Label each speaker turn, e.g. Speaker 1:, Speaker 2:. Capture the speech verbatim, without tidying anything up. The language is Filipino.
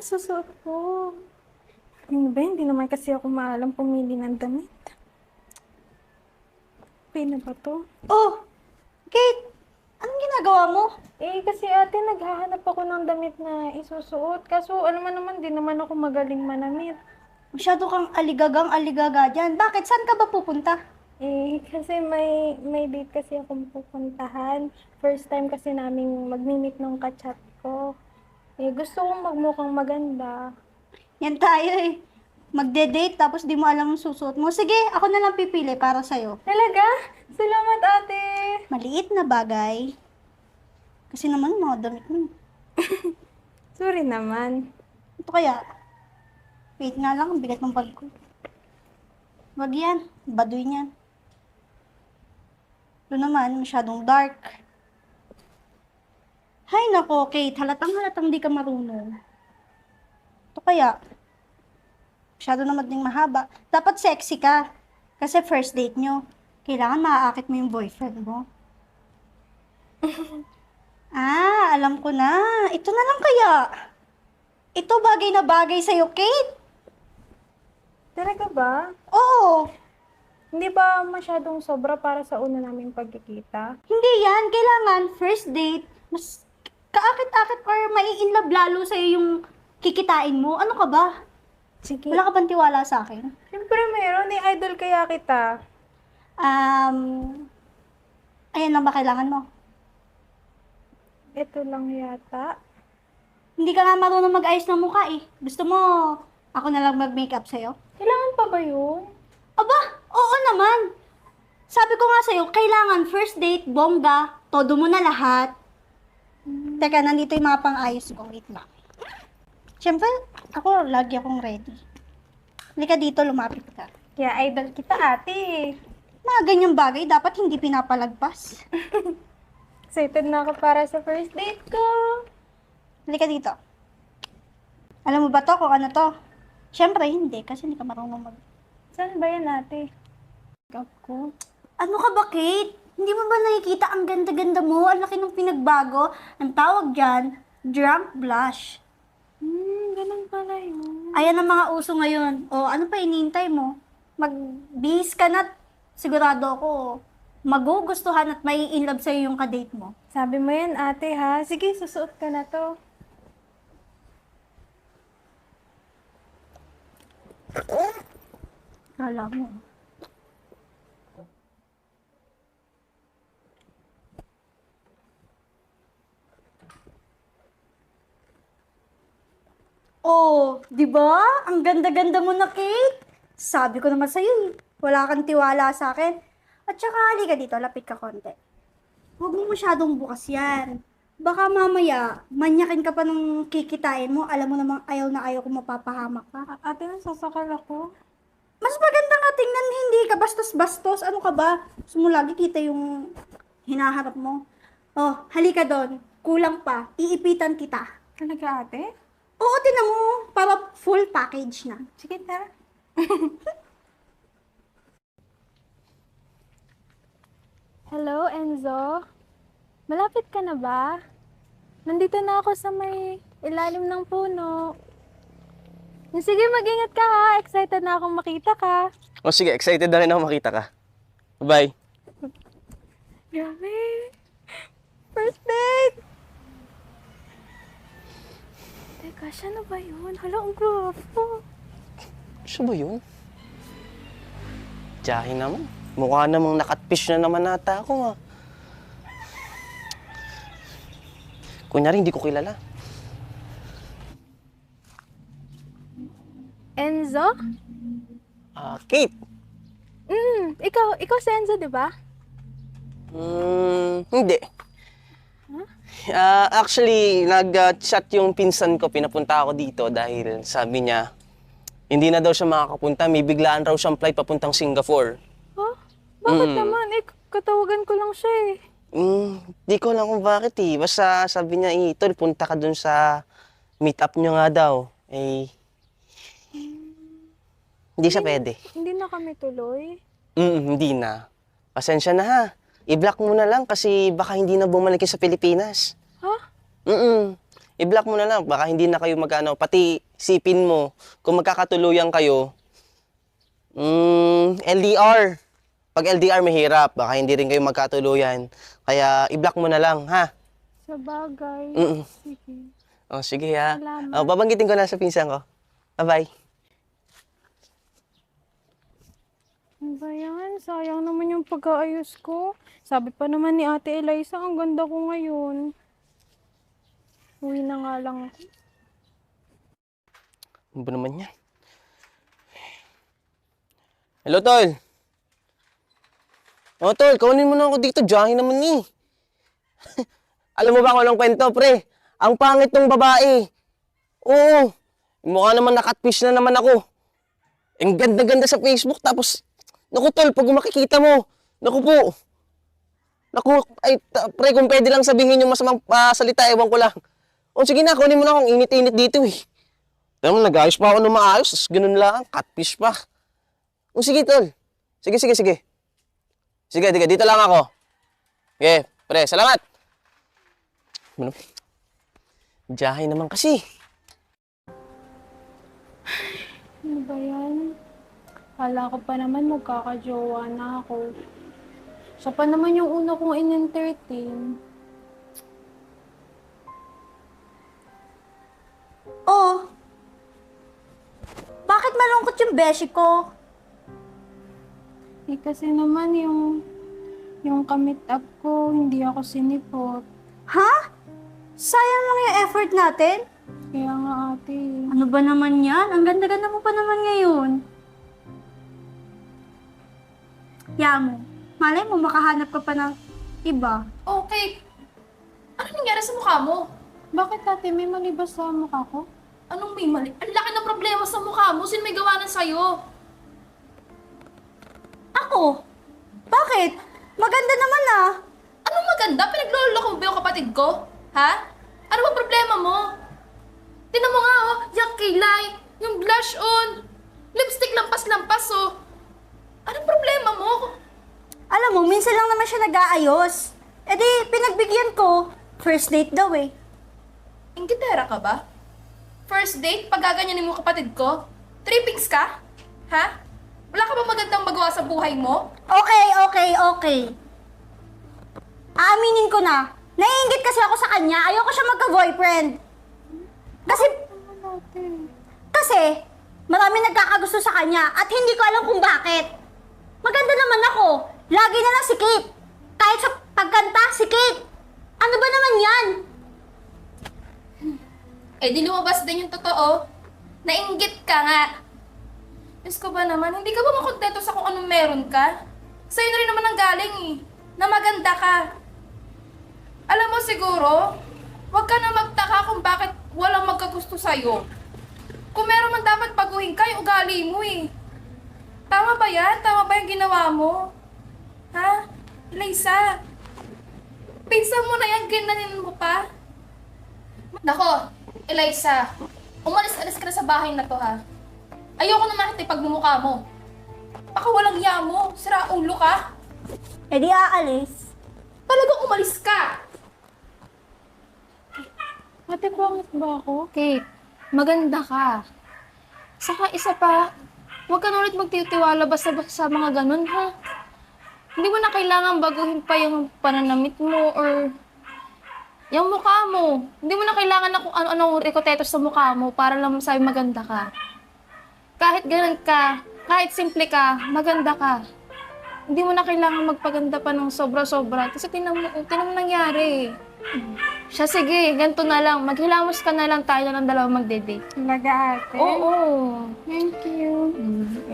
Speaker 1: ang susuot ko? Ano ba, hindi naman kasi ako maalam pumili ng damit. Okay na ba to?
Speaker 2: Oh, Kate, anong ginagawa mo?
Speaker 1: Eh, kasi ate, naghahanap ako ng damit na isusuot. Kaso, alam mo naman, di naman ako magaling manamit.
Speaker 2: Masyado kang aligagang aligaga dyan. Bakit? Saan ka ba pupunta?
Speaker 1: Eh, kasi may, may date kasi akong pupuntahan. First time kasi naming magmi-meet nung kachat ko. Eh, gusto kong magmukhang maganda.
Speaker 2: Yan tayo eh. Magde-date tapos di mo alam ang susuot mo. Sige, ako na lang pipili para sa'yo.
Speaker 1: Talaga? Salamat, ate!
Speaker 2: Maliit na bagay. Kasi naman mga damit mo.
Speaker 1: Sorry naman.
Speaker 2: Ito kaya? Wait nga lang, ang bigat ng bag ko. Wag yan. Baduy niyan. Ito naman, masyadong dark. Hay nako, Kate. Halatang halatang di ka marunong. Ito kaya? Masyado naman ding mahaba. Dapat sexy ka. Kasi first date nyo. Kailangan maaakit mo yung boyfriend mo. Ah, alam ko na. Ito na lang kaya. Ito bagay na bagay sa'yo, Kate.
Speaker 1: Talaga ba?
Speaker 2: Oo.
Speaker 1: Hindi ba masyadong sobra para sa una naming pagkikita?
Speaker 2: Hindi yan. Kailangan first date. Mas kaakit-akit or mai-inlove lalo sa'yo yung kikitain mo. Ano ka ba?
Speaker 1: Sige.
Speaker 2: Wala ka bang tiwala sa akin?
Speaker 1: Siyempre meron. Ni idol kaya kita.
Speaker 2: Um, ayan lang ba kailangan mo?
Speaker 1: Ito lang yata.
Speaker 2: Hindi ka nga marunong mag-ayos ng mukha eh. Gusto mo, ako na lang mag-makeup sa'yo?
Speaker 1: Kailangan pa ba yun?
Speaker 2: Aba, oo naman. Sabi ko nga sa'yo, kailangan first date, bongga, todo mo na lahat. Teka, nandito yung mga pang-ayos ko. Wait lang. Siyempre, ako, lagi akong ready. Halika dito, lumapit ka.
Speaker 1: Kaya idol kita, ate.
Speaker 2: Mga ganyang bagay, dapat hindi pinapalagpas.
Speaker 1: Excited na ako para sa first date ko.
Speaker 2: Halika dito. Alam mo ba to kung ano to? Siyempre, hindi, kasi hindi ka marunong mag...
Speaker 1: Saan ba yan, ate? Gab ko.
Speaker 2: Ano ka ba, Kate? Hindi mo ba nakikita ang ganda-ganda mo? Ang laki ng pinagbago. Ang tawag dyan, drunk blush.
Speaker 1: Hmm, ganun pala yun.
Speaker 2: Ayan ang mga uso ngayon. O, ano pa inintay mo? Mag-bihis ka na, sigurado ako, magugustuhan at may in love sa'yo yung kadate mo.
Speaker 1: Sabi mo yan, ate, ha? Sige, susuot ka na to.
Speaker 2: Kala mo. Oh, di ba? Ang ganda-ganda mo na, Kate. Sabi ko naman sa'yo eh. Wala kang tiwala sa akin. At saka, halika dito, lapit ka konti. Huwag mo masyadong bukas yan. Baka mamaya, manyakin ka pa nung kikitain mo. Alam mo namang ayaw na ayaw kung mapapahamak ka.
Speaker 1: A- ate, nasasakal ako.
Speaker 2: Mas maganda nga tingnan, hindi ka bastos-bastos. Ano ka ba? Gusto mo lagi kita yung hinaharap mo. Oh, halika doon. Kulang pa. Iipitan kita.
Speaker 1: Talaga, ate?
Speaker 2: Oo, tinan mo. Para full package na.
Speaker 1: Sige, tara. Hello, Enzo? Malapit ka na ba? Nandito na ako sa may ilalim ng puno. Sige, mag-ingat ka ha. Excited na akong makita ka.
Speaker 3: O sige, excited na rin ako makita ka. Bye.
Speaker 1: Grabe. First date! Teka, siya na ba yun? Hala, ang gwapo.
Speaker 3: Siya ba yun? Tiyahin naman. Mukha namang nakatfish na naman nata ako ah. Kunyari, hindi ko kilala.
Speaker 1: Enzo?
Speaker 3: Ah, Kate!
Speaker 1: Mm, ikaw, ikaw si Enzo, di ba?
Speaker 3: Hmm, hindi. Ah, actually, nag-chat yung pinsan ko, pinapunta ako dito dahil sabi niya, hindi na daw siya makakapunta, may biglaan raw siyang flight papuntang Singapore.
Speaker 1: Huh? Bakit
Speaker 3: Mm.
Speaker 1: naman? Eh, katawagan ko lang siya eh.
Speaker 3: Hmm, di ko alam kung bakit eh. Basta sabi niya, eh, tol, punta ka dun sa meet-up niyo nga daw. Eh, hindi siya pwede.
Speaker 1: Hindi na kami tuloy.
Speaker 3: Mm, hindi na. Pasensya na ha. I-block mo na lang kasi baka hindi na bumalik yun sa Pilipinas.
Speaker 1: Ha?
Speaker 3: Mm. i-block mo na lang. Baka hindi na kayo magkano. Pati sipin mo, kung magkakatuluyan kayo, mm, L D R. Pag L D R mahirap, baka hindi rin kayo magkatuluyan. Kaya i-block mo na lang, ha?
Speaker 1: Sa bagay.
Speaker 3: Mm.
Speaker 1: Sige.
Speaker 3: Oh, sige ha.
Speaker 1: Salamat.
Speaker 3: Oh, babanggitin ko na sa pinsan ko. Bye-bye.
Speaker 1: Ano ba yan? Sayang naman yung pag-aayos ko. Sabi pa naman ni Ate Eliza, ang ganda ko ngayon. Uwi na nga lang ako.
Speaker 3: Ano ba naman yan? Hello, Tol. Oh, Tol, kaunin mo na ako dito. Diyahin naman ni. Alam mo ba kung anong kwento, pre? Ang pangit ng babae. Oo. Mukha naman nakatfish na naman ako. Ang ganda-ganda sa Facebook. Tapos, naku, Tol, pag makikita mo, naku po. Naku, ay, ta- pre, kung pwede lang sabihin yung masamang ah, salita, ewan ko lang. O, sige na, kunin mo na akong init-init dito eh. Alam mo, nag-ayos pa ako ng maayos. Tapos ganun lang, catfish pa. O, sige, Tol. Sige, sige, sige. Sige, sige, dito lang ako. Okay, pre, salamat. Ano? Diyahin naman kasi.
Speaker 1: Ano ba yan? Kala ko pa naman magkakajowa na ako. Siya pa naman yung una kong in-entertain.
Speaker 2: Oh, bakit malungkot yung beshi ko?
Speaker 1: Eh kasi naman yung yung kamit up ko, hindi ako sinipot.
Speaker 2: Ha? Sayang lang yung effort natin.
Speaker 1: Kaya nga ate.
Speaker 2: Ano ba naman yan? Ang ganda-ganda mo pa naman ngayon. Yamo, malay mo makahanap ka pa ng iba.
Speaker 4: Okay. Ano nangyari sa mukha mo?
Speaker 1: Bakit ate, may mali ba sa mukha ko?
Speaker 4: Anong may mali? Ang laki ng problema sa mukha mo. Sino may gawa ng sa'yo?
Speaker 2: Ako? Bakit? Maganda naman ah.
Speaker 4: Anong maganda? Pinagloloko mo ba yung kapatid ko? Ha? Ano ba problema mo? Tinan mo nga oh, yung kilay, yung blush on, lipstick lampas-lampas oh. Anong problema mo?
Speaker 2: Alam mo, minsan lang naman siya nag-aayos. E di, pinagbigyan ko. First date daw eh.
Speaker 4: Inggitera ka ba? First date, pagaganyanin mo kapatid ko? Trippings ka? Ha? Wala ka ba magandang magawa sa buhay mo?
Speaker 2: Okay, okay, okay. Aaminin ko na. Naiingit kasi ako sa kanya. Ayoko siya magka-boyfriend. Kasi,
Speaker 1: Ano ate?
Speaker 2: kasi, marami nagkakagusto sa kanya at hindi ko alam kung bakit. Maganda naman ako. Lagi na lang si Kate. Kahit sa pagkanta, si Kate. Ano ba naman yan?
Speaker 4: Eh di lumabas din yung totoo. Nainggit ka nga. Diyos ko ba naman, hindi ka ba makontento sa kung anong meron ka? Sa'yo na rin naman ang galing eh, na maganda ka. Alam mo siguro, huwag ka na magtaka kung bakit walang magkagusto sa'yo. Kung meron man dapat baguhin ka, yung ugali mo eh. Tama ba yan? Tama ba yung ginawa mo? Ha? Eliza, pinsan mo na yan, ginanin mo pa? Nako, Eliza, umalis-alis ka na sa bahay na to ha. Ayoko na makita yung pagmumukha mo. Baka walang hiya mo, sira ulo ka.
Speaker 2: E di aalis.
Speaker 4: Talagang umalis ka.
Speaker 1: Ate, pangit ba ako? Kate, maganda ka. Saka isa pa, huwag ka na ulit magtitiwala basta-basta sa mga ganun, ha? Hindi mo na kailangan baguhin pa yung pananamit mo or yung mukha mo. Hindi mo na kailangan na kung ano-ano rikotetos sa mukha mo para lang masabi maganda ka. Kahit ganun ka, kahit simple ka, maganda ka. Hindi mo na kailangan magpaganda pa ng sobra-sobra. Kasi tinan mo, tinan mo nangyari. Siya, sige, ganito na lang. Maghilamos ka na lang tayo ng dalawa magde-date.
Speaker 2: Talaga ate.
Speaker 1: Oo.
Speaker 2: Thank you.